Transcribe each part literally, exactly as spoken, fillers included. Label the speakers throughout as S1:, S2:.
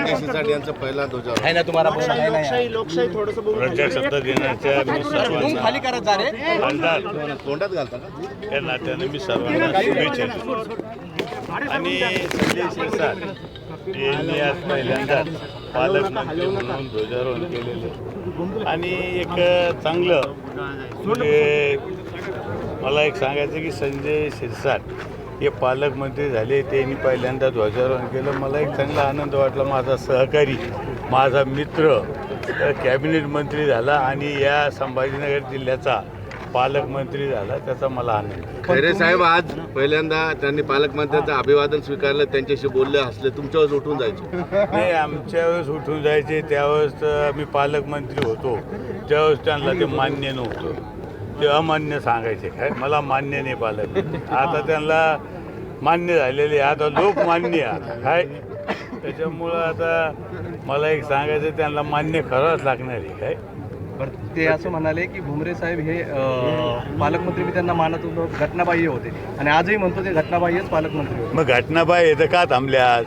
S1: संजय शिरसाट यांचा पहिला ध्वजारोहण
S2: आहे ना तुम्हाला प्रश्न आहे ना
S3: लोकशाही लोकशाही थोडंसं बघून
S4: प्रजासत्ता दिनाच्या मी सर्वांना
S2: खाली करत जा रे
S4: खासदार
S1: तोंडात घालता का?
S4: या नात्याने मी सर्वांना शुभेच्छा देतो. आणि संजय शिरसाट यांनी आज पहिल्यांदाच पालकमंत्री म्हणून ध्वजारोहण केलेले आणि एक चांगलं म्हणजे मला एक सांगायचं की संजय शिरसाट हे पालकमंत्री झाले त्यांनी पहिल्यांदा ध्वजारोहण केलं. मला एक चांगला आनंद वाटला. माझा सहकारी माझा मित्र कॅबिनेट मंत्री झाला आणि या संभाजीनगर जिल्ह्याचा पालकमंत्री झाला त्याचा मला आनंद.
S1: खैरे साहेब आज पहिल्यांदा त्यांनी पालकमंत्र्यांचं अभिवादन स्वीकारलं, त्यांच्याशी बोलले, हसले, तुमच्यावर उठून जायचे.
S4: नाही आमच्या वेळेस उठून जायचे त्यावेळेस मी पालकमंत्री होतो त्यावेळेस त्यांना ते मान्य नव्हतं. ते अमान्य सांगायचे काय मला मान्य नाही पालक. आता त्यांना मान्य झालेले आता लोक मान्य आता काय त्याच्यामुळं आता मला एक सांगायचं त्यांना मान्य करावंच लागणार आहे काय.
S2: बरं ते असं म्हणाले की भुमरे साहेब हे अं, पालकमंत्री मी त्यांना मानत होतो घटनाबाह्य होते आणि आजही म्हणतो ते घटनाबाह्यच पालकमंत्री होते.
S4: मग घटनाबाह्य आहे तर का थांबले आज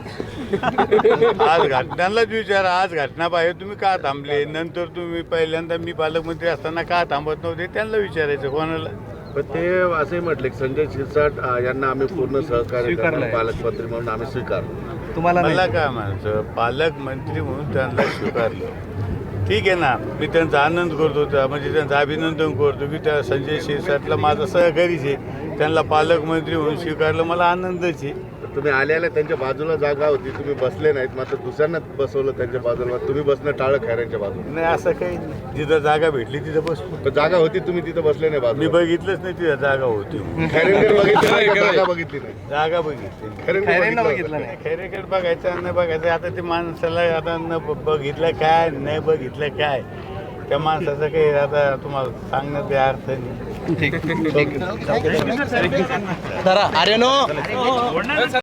S4: आज घटनांनाच विचारा आज घटनाबाह्य तुम्ही का थांबले. नंतर तुम्ही पहिल्यांदा मी पालकमंत्री असताना का थांबत नव्हते त्यांना विचारायचं कोणाला.
S1: पण ते असंही म्हटले की संजय शिरसाट अं, यांना आम्ही पूर्ण सहकार्य करणार, पालकमंत्री म्हणून आम्ही स्वीकारलो.
S2: तुम्हाला नाही.
S4: मला काय म्हणायचं पालकमंत्री म्हणून त्यांना स्वीकारलं ठीक आहे ना. मी त्यांचा आनंद करतो त्या म्हणजे त्यांचं अभिनंदन करतो की त्या संजय शिरसाटला माझा सहकारीच आहे. त्यांना पालकमंत्री म्हणून स्वीकारलं मला आनंदच आहे.
S1: तुम्ही आल्याला त्यांच्या बाजूला जागा होती, तुम्ही बसले नाहीत, मात्र दुसऱ्यांना बसवलं त्यांच्या बाजूला. तुम्ही बसणं टाळं खैऱ्यांच्या बाजूला.
S4: नाही असं काही नाही. जिथं जागा भेटली तिथं बसतो.
S1: पण जागा होती, तुम्ही तिथं बसले नाही
S4: मी
S1: बाजूला.
S4: बघितलंच नाही तिथं जागा होती.
S1: खैरेंकडे बघितली नाही का? जागा बघितली नाही.
S4: जागा बघितली
S1: खैरेंकडे
S2: खैरेंना
S1: बघितलं
S2: बघितलं
S1: होतं.
S2: नाही.
S4: खैरेकडे बघायचं न बघायचं आता ते माणसाला आता न ब- बघितलं काय नाही बघितलं काय त्या माणसाचं काही आता तुम्हाला सांगण्यात काही अर्थ नाही.
S2: ठीक ठीक. धरा आर्यनो